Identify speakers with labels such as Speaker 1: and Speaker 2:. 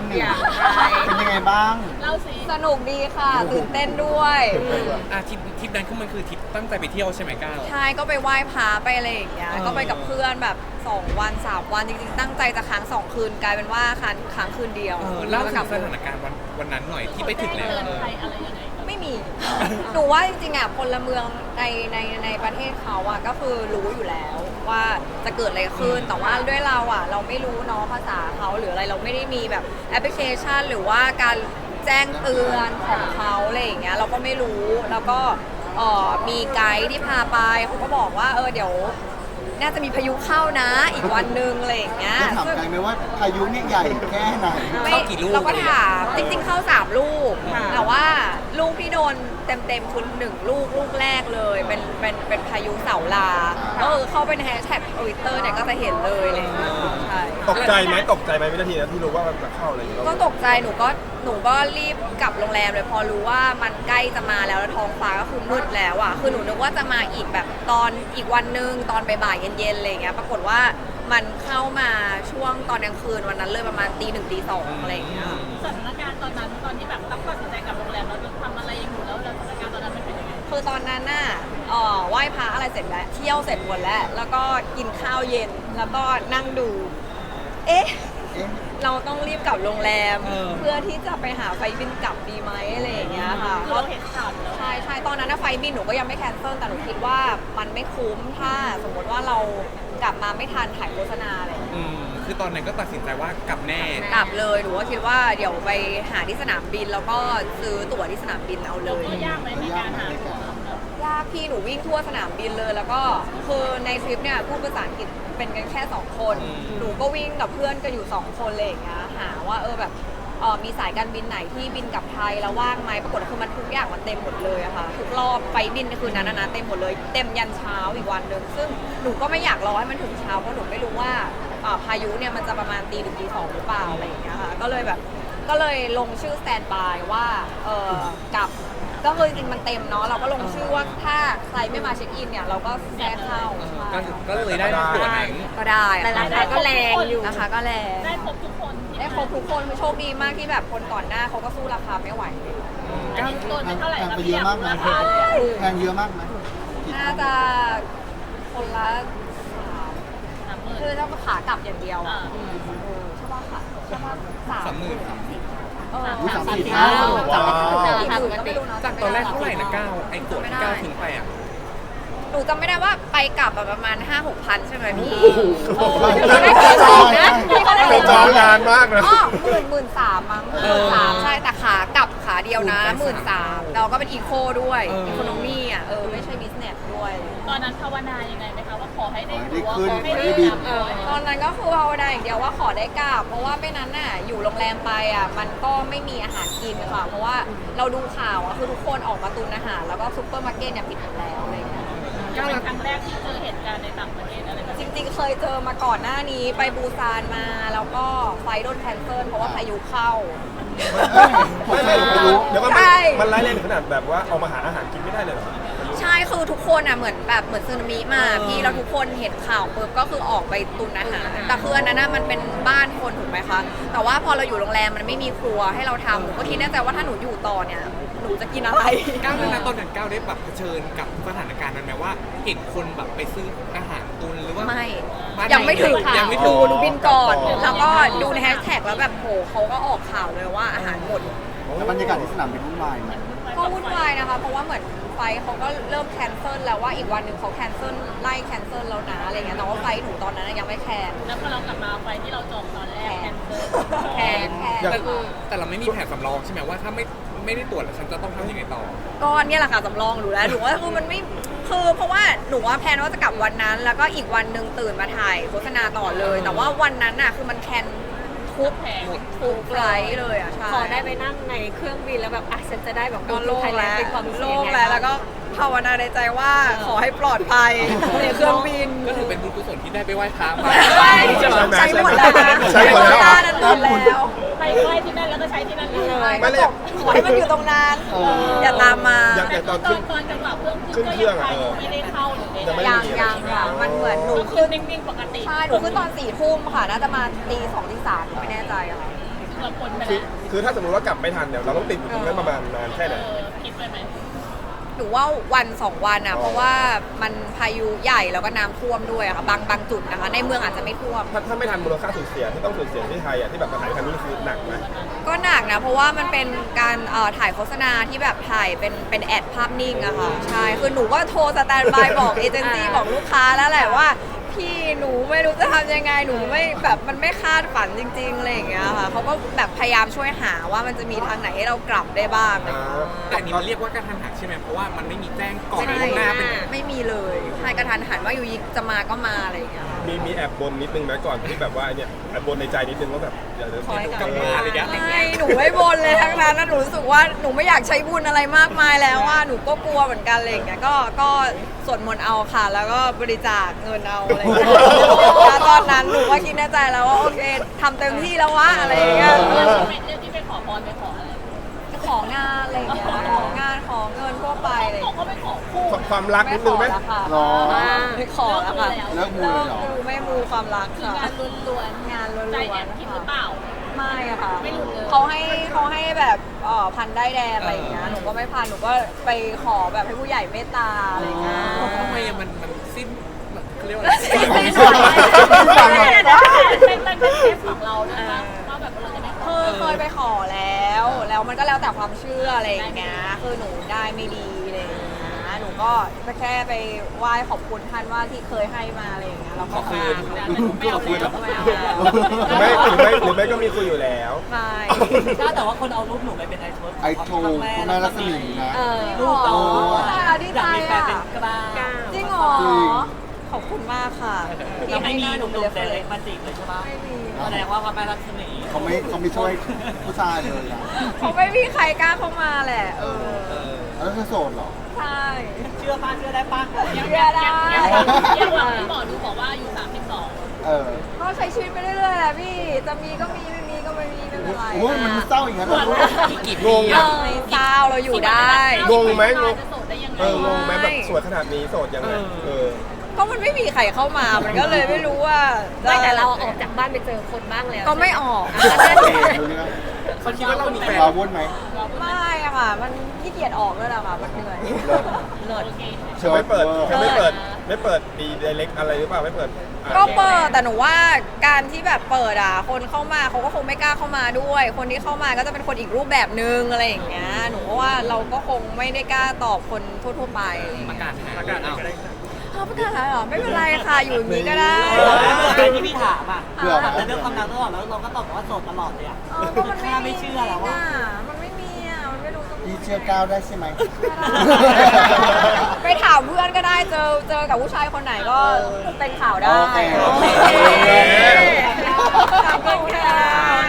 Speaker 1: หนึ่งเป็นยังไงบ้าง
Speaker 2: เล่าสิ
Speaker 3: สนุกดีค่ะตื่นเต้นด้วย
Speaker 4: ทริปนั้นคือมันคือทริปตั้งใจไปเที่ยวใช่ไหมก้าว
Speaker 3: ใช่ก็ไปไหว้พระไปอะไรอย่างเงี้ยก็ไปกับเพื่อนแบบ2 วัน 3 วันจริงๆตั้งใจจะค้าง2 คืนกลายเป็นว่าค้างคืนเดียว
Speaker 4: เล่าถึงสถานการณ์วันนั้นหน่อยที่ไปถึงแล้ว
Speaker 2: ใครอะไรยังไง
Speaker 3: ไม่มี หนูว่าจริงๆอ่ะพลเมืองในประเทศเขาอ่ะก็คือรู้อยู่แล้วว่าจะเกิดอะไรขึ้นแต่ว่าด้วยเราอ่ะเราไม่รู้เนาะภาษาเขาหรืออะไรเราไม่ได้มีแบบแอปพลิเคชันหรือว่าการแจ้งเตือนของเขาอะไรอย่างเงี้ยเราก็ไม่รู้แล้วก็มีไกด์ที่พาไปเขาก็บอกว่าเดี๋ยวน่าจะมีพายุเข้านะอีกวันนึงอะไรอย่างเงี้ย
Speaker 1: ได้ถามไกลไหมว่าพายุเนี่ยใหญ่แค่ไหน
Speaker 4: เข้ากี่ลูก
Speaker 3: เราก็ถามจริงๆเข้า3 ลูกแต่ว่าลูกที่โดนเต็มคือ1 ลูกแรกเลยเป็นพายุเสาลาก็เข้าไปในแฮชแท็กทวิตเตอร์เนี่ยก็จะเห็นเลยอะไรอย่างเงี้ยใช่
Speaker 5: ตกใจไหมวินาทีนั้นที่รู้ว่ามันจะเข้าอะไรอย่างเงี้ย
Speaker 3: ก็ตกใจหนูก็รีบกลับโรงแรมเลยพอรู้ว่ามันใกล้จะมาแล้วท้องฟ้าก็คือมืดแล้วอ่ะคือหนูนึกว่าจะมาอีกแบบตอนอีกวันนึงตอนบ่ายๆเย็นๆอะไรอย่างเงี้ยปรากฏว่ามันเข้ามาช่วงตอนกลางคืนวันนั้นเลยประมาณตี 1 ตี 2อะไรอย่างเงี้ย
Speaker 2: สถานการณ์ตอนนั้นตอนที่แบบต้องตัดสินใจกลับโรงแรมแล้วทำอะไรอยู่แล้วสถานการณ์ตอนนั้นมันเป็นยังไง
Speaker 3: คือตอนนั้นน่ะไหว้พระอะไรเสร็จแล้วเที่ยวเสร็จหมดแล้วก็กินข้าวเย็นแล้วก็นั่งดูเอ๊ะเราต้องรีบกลับโรงแรมเพื่อที่จะไปหาไฟบินกลับดีไหมอะไรอย่างเงี้ยค่ะ
Speaker 2: คือเราเห็นข่าวแล้ว
Speaker 3: ใช่ตอนนั้นไฟบินหนูก็ยังไม่แคนเซิลแต่หนูคิดว่ามันไม่คุ้มถ้าสมมติว่าเรากลับมาไม่ทันถ่ายโฆษณาอะไร
Speaker 4: คือตอนนั้นก็ตัดสินใจว่ากลับแน่
Speaker 3: กลับเลยหนูก็คิดว่าเดี๋ยวไปหาที่สนามบินแล้วก็ซื้อตั๋วที่สนามบินเอาเลย
Speaker 2: ยากไหมในการหาตั๋วย
Speaker 3: ากพี่หนูวิ่งทั่วสนามบินเลยแล้วก็คือในทริปเนี่ยพูดภาษาอังกฤษเป็นกันแค่2 คนหนูก็วิ่งกับเพื่อนกันอยู่2 คนเลยอย่างเงี้ยหาว่าแบบมีสายการบินไหนที่บินกลับไทยแล้วว่างไหมปรากฏคือมันทุกอย่างมันเต็มหมดเลยอะค่ะทุกรอบไฟบินในคืนนั้นนะเต็มหมดเลยเต็มยันเช้าอีกวันหนึ่งซึ่งหนูก็ไม่อยากรอให้มันถึงเช้าเพราะหนูไม่รู้ว่าพายุเนี่ยมันจะประมาณตี 1 ตี 2หรือเปล่าอะไรอย่างเงี้ยค่ะก็เลยลงชื่อสแตนด์บายว่ากลับก็คือจริงมันเต็มเนาะเราก็ลงชื่อว่าถ้าใครไม่มาเช็คอินเนี่ยเราก็แทรกเข้า
Speaker 4: ก็เลยได้ตั๋วนั้น
Speaker 3: ก็ได้
Speaker 2: แต่ราคาก็แรงอยู่
Speaker 3: นะคะก็แรง
Speaker 2: ได้ครบทุกคน
Speaker 3: คือโชคดีมากที่แบบคนก่อนหน้าเขาก็สู้ราคาไม่ไหว
Speaker 2: ตัวเป็นเท่าไหร่ครับพี่
Speaker 1: เยอะมากไหมแพงเยอะมากไหม
Speaker 3: น่าจะคนละคือถ้าขากลับอย่างเดียวใช่ป่ะค่ะใช่ป่ะ
Speaker 4: 30,000 จากตอนแรกเท่าไหร่นะก้าวไอ้ตั๋วที่ก้าวทิ้งไปอ่ะ
Speaker 3: หนูจำไม่ได้ว่าไปกลับประมาณ 5-6 พันใช่ไหมพี่
Speaker 5: ไปจองนานมากนะ
Speaker 3: 13,000 มั้ง13,000ใช่แต่ขาเดียวนะ13,000เราก็เป็นอีโคด้วยอีโคโนมี่อ่ะไม่ใช่บิสเนสด้วย
Speaker 2: ตอนนั้นภาวนายังไงไหมคะว่าขอให้ได้ตั๋วขอให้ได้กลับ
Speaker 3: ตอนนั้นก็คือภาวนาอย่างเดียวว่าขอได้กลับเพราะว่าไม่นั้นน่ะอยู่โรงแรมไปอ่ะมันก็ไม่มีอาหารกินค่ะเพราะว่าเราดูข่าวอ่ะคือทุกคนออกมาตุนอาหารแล้วก็ซุปเปอร์มาร์เก็ตเนี่ยปิดหมดแล้วอะไรอย่างเงี้ย
Speaker 2: เป็นครั้งแรกที่เจอเหตุการณ์ในต่างประเทศอะไรแบบ
Speaker 3: จริงๆเคยเจอมาก่อนหน้านี้ไปปูซานมาแล้วก็ไฟโดนแคนเซิลเพราะว่าพายุเข้า
Speaker 5: เดี๋ยวมันร้ายแรงถึงขนาดแบบว่าเอามาหาอาหารกินไม่ได้เลยเหรอ
Speaker 3: ใช่คือทุกคนอ่ะเหมือนสึนามิมาพี่แล้วทุกคนเห็นข่าวปุ๊บก็คือออกไปตุนอาหารแต่คืออันนั้นมันเป็นบ้านคนถูกไหมคะแต่ว่าพอเราอยู่โรงแรมมันไม่มีครัวให้เราทำหนูก็คิดแน่ใจว่าถ้าหนูอยู่ต่อเนี่ยหนูจะกินอะไร
Speaker 4: ก้าวนั้นตอนนั้นก้าวได้แบบเผชิญกับสถานการณ์นั้นไหมว่าเห็นคนแบบไปซื้ออาหารตุนหรือว่า
Speaker 3: ไม่ยังไม่ถึงค่ะดูบินก่อนแล้วก็ดูในแฮชแท็กแล้วแบบโหเขาก็ออกข่าวเลยว่าอาหารหมด
Speaker 1: แล้วบรรยากาศที่สนามบินวุ่นวายไหม
Speaker 3: ก็วุ่นวายนะคะเพราะว่าเหมือนไฟเขาก็เริ่มแคนเซิลแล้วว่าอีกวันหนึ่งเขาแคนเซิลไล่แคนเซิลแล้วนะอะไรเงี้ยแต่ว่าไฟหนูตอนนั้นยังไม่แคน
Speaker 2: แล้วพอเรากลับมาไฟที่เราจองตอนแรกแคน
Speaker 4: แต่เราไม่มีแผนสำรองใช่ไหมว่าถ้าไม่ได้ตรวจแล้วฉันจะต้องทำยังไงต่อ
Speaker 3: ก็เนี่ยแหละค่ะสำรองหนูแล้วหนูว่าคือมันไม่คือเพราะว่าหนูว่าแพลนว่าจะกลับวันนั้นแล้วก็อีกวันหนึ่งตื่นมาถ่ายโฆษณาต่อเลยแต่ว่าวันนั้นน่ะคือมันแคนทุกไฟล์เลยอ่ะใช่
Speaker 6: ขอได้ไปนั่งในเครื่องบินแล้วแบบฉันจะได้แบบ
Speaker 3: โล่งแล้ว
Speaker 6: โล่
Speaker 3: งแล้วก็ภาวนาในใจว่าขอให้ปลอดภัยในเครื่องบิน
Speaker 4: ก็ถือเป็นบุญกุศลที่ได้ไปไหว้พระ
Speaker 3: ใช้หมดแล้ว
Speaker 5: ใช้หมดแล้ว
Speaker 2: ไปไหว้ที่นั่นแล้วก็ใช้ที่นั่น
Speaker 3: เลยไม่เลยขอให้มันอยู่ตรงนั้นอย่าตามมา
Speaker 2: ตอนจังหวะขึ้นเครื่องไม่ได้เข้าหรือ
Speaker 3: ยังค่ะมันเหมือนหนู
Speaker 2: ขึ้นนิ่งๆปกติ
Speaker 3: ใช่หนูขึ้นตอน4 ทุ่มค่ะน่าจะมาตี 2 ตี 3ไม่แน่ใจค่ะ
Speaker 2: เราพ้นไป
Speaker 5: คือ
Speaker 2: แล้ว
Speaker 5: คือถ้าสมมติว่ากลับไม่ทันเนี่ยเราต้องติดอยู่ตรงนั้นประมาณนานแค่ไหน
Speaker 2: คิดไปไหม
Speaker 3: หนูว่าวันสองวันอ่ะเพราะว่ามันพายุใหญ่แล้วก็น้ำท่วมด้วยอะค่ะบางจุดนะคะ ในเมืองอาจจะไม่ท่วม
Speaker 5: ถ้าไม่ทันมูลค่าสูญเสียที่ต้องสูญเสียที่ไทยอ่ะที่แบบมาถ่ายทันนี่คือหนักไหม
Speaker 3: ก็หนักนะเพราะว่ามันเป็นการถ่ายโฆษณาที่แบบถ่ายเป็นแอดภาพนิ่งอะค่ะใช่คือหนูก็โทรสแตนด์บายบอกเอเจนซี่บอกลูกค้าแล้วแหละว่าพี่หนูไม่รู้จะทำยังไงหนูไม่แบบมันไม่คาดฝันจริงๆอะไรอย่างเงี้ยค่ะเขาก็แบบพยายามช่วยหาว่ามันจะมีทางไหนให้เรากลับได้บ้าง
Speaker 4: แต่อันนี้มันเรียกว่ากระทันหันใช่ไหมเพราะว่ามันไม่มีแจ้งก่อน
Speaker 3: ใช่
Speaker 4: ล่วงหน้าเป็น
Speaker 3: ไม่มีเลยใช่กระทันหันว่าอยู่ยิจะมาก็มาอะไรอย่างเงี้ยค่ะ
Speaker 5: มีแอบบนนิดนึงไหมก่อนที่แบบว่าเนี่ยแอบบนในใจนิดนึงว่าแบบเดี๋ยว
Speaker 6: ขอให้กลับ
Speaker 4: มาอะไรอย่างเงี้ย
Speaker 3: ไม่หนูไม่บนเลยทั้งนั้นนะหนูรู้สึกว่าหนูไม่อยากใช้บุญอะไรมากมายแล้วว่าหนูก็กลัวเหมือนกันอะไรอย่างเงี้ยก็สวดมนต์เอาค่ะ แล้วก็บริจาคเงินเอาอะไรอย่างเงี้ยแล้วตอนนั้นหนูก็คิดในใจแล้วว่าโอเคทำเต็มที่แล้ววะอะไรอย่างเงี้ย
Speaker 2: เรื่องที่ไปขอพรไปขออะไร
Speaker 3: ของานอะไรอย่างเงี้ยของานของเงินทั่วไปอะไรอย่าง
Speaker 2: เขา
Speaker 3: เงี้ย
Speaker 2: ก็ไปขอคู่
Speaker 5: ความรักนิดนึงไหม
Speaker 3: แล้วค่ะ
Speaker 1: หรอ
Speaker 3: ไม่ขอแล้วค่ะ
Speaker 1: เลิกมูเลยเหรอ
Speaker 3: ไม่มูความรัก
Speaker 2: คือ
Speaker 3: ค่ะ
Speaker 2: งานล้วน
Speaker 3: งานล้วน
Speaker 2: ๆ
Speaker 3: ๆ
Speaker 2: ใจแอบคิดหรือเปล่า
Speaker 3: ไม่อะค่ะ
Speaker 2: ไม่หลุดเลย
Speaker 3: เขาให้แบบพันได้แดงอะไรอย่างเงี้ยหนูก็ไม่พันหนูก็ไปขอแบบให้ผู้ใหญ่เมตตาอะไรอย่างเงี้ย
Speaker 4: ทำไมอะมันสิ้นเขาเรียกว่าอะไร
Speaker 3: สิ้นหวัง
Speaker 2: เป็นเคสของเรานะคะว่าแบบเราจะไม่ขอ
Speaker 3: เคยไปขอแล้วมันก็แล้วแต่ความเชื่ออะไรอย่างเงี้ยคือหนูได้ไม่ดีอะไรอย่างเงี้ยหนูก็แค่ไปไหว้ขอบคุณท่านว่าที่เคยให้มาอะไรอย่างเงี้ยแล้วก็
Speaker 4: ขอคืน
Speaker 2: ไม่เอาแล้ว
Speaker 3: ไม่เอา
Speaker 5: หรือไม่ก็มีคุยอยู่แล้ว
Speaker 3: ไม่
Speaker 7: ถ้าแต่ว่าคนเอารูปหนูไปเป็นไอโทส
Speaker 1: ไอโทคุณแม่รัศมีนะ
Speaker 7: รูป
Speaker 3: โอ้
Speaker 7: เรา
Speaker 3: ดี
Speaker 7: อ
Speaker 3: ใจ
Speaker 7: ยากมีแฟน
Speaker 3: อ่ะ
Speaker 7: เป็นกล้า
Speaker 3: จริงเหรอ
Speaker 1: จริง
Speaker 3: ขอบคุณมากค่ะ
Speaker 7: ยังไม่มีหนุ่ม
Speaker 3: เล
Speaker 7: ๆแต่เล็กมาจีบเลยใช่ปะ
Speaker 3: ไม่มี
Speaker 7: แสดงว่าพระแม่รักษมี
Speaker 1: เขาไม่ช่วยผู้ชายเลยนะ
Speaker 3: เขาไม่มีใครกล้าเข้ามาแหละ
Speaker 1: แล้วเธอโสดเหรอ
Speaker 3: ใช่
Speaker 7: เชื่อป้าเชื่อได้ป้า
Speaker 3: เชื่อได้
Speaker 2: ยังหวังที่หมอดูบอกว่าอายุ32
Speaker 1: เออ
Speaker 3: ก็ใช้ชีวิตไปเรื่อยๆแหละพี่ จะมีก็มีไม่มีก็ไม่มีไม่เป็นไร
Speaker 1: โอ้ยมันเศร้าอย่างนั้นเหรอ
Speaker 4: กี่
Speaker 5: ง
Speaker 4: ปี
Speaker 5: ง
Speaker 4: อะ
Speaker 3: ไม่เศร้าเราอยู่ได้
Speaker 5: งงไหมงง
Speaker 2: จะโสดได้ยังไง
Speaker 5: งงไหมแบบสวยขนาดนี้โสดยังไงอ
Speaker 3: ก็มันไม่มีใครเข้ามา มันก็เลยไม่รู้ว่าจะ
Speaker 6: ไม่แต่เราออกจากบ้านไปเจอคนบ้างแล้ว
Speaker 3: ก็ไม่ออก
Speaker 1: ดูเรื่อง
Speaker 4: เขาคิดว่าเรามีแฟน
Speaker 1: วาวุ่นไหม
Speaker 3: ไม่อะค่ะ มันขี้เกียจออกด้วยแหละค่ะ มันเหนื่อยเลิศ
Speaker 5: เธอไม่เปิดดีไดเรกอะไรหรือเปล่าไม่เปิด
Speaker 3: ก็เปิดแต่หนูว่าการที่แบบเปิดอ่ะคนเข้ามาเขาก็คงไม่กล้าเข้ามาด้วย คนที่เข้ามาก็จะเป็นคนอีกรูปแบบนึงอะไรอย่างเงี้ยหนูก็ว่าเราก็คงไม่ได้กล้าตอบคนทั่วๆไป
Speaker 4: ประกาศหา
Speaker 5: ประกาศ
Speaker 4: เอา
Speaker 5: ก็ได้
Speaker 3: เอาประกาศเหรอไม่เป็นไรค่ะอยู่อย่างนี้ก็ได้
Speaker 7: ที่พี่ถามอ่ะ
Speaker 1: เผื่อ
Speaker 7: ถามแต่เรื่องความรักตลอดแล้วเราก็ตอบว่าโสดตลอดเลยอ่ะ
Speaker 3: ก็มัน
Speaker 7: ถ้าไม่เชื่อแล้วว่า
Speaker 3: มันไม่มีอ่ะมันไม่รู้จะ
Speaker 1: พี่เชื่อก้าวได้ใช่ไหม
Speaker 3: ไปถามเพื่อนก็ได้เจอกับผู้ชายคนไหนก็เป็นข่าวได้
Speaker 1: โอเค
Speaker 3: ขอบคุณค่ะ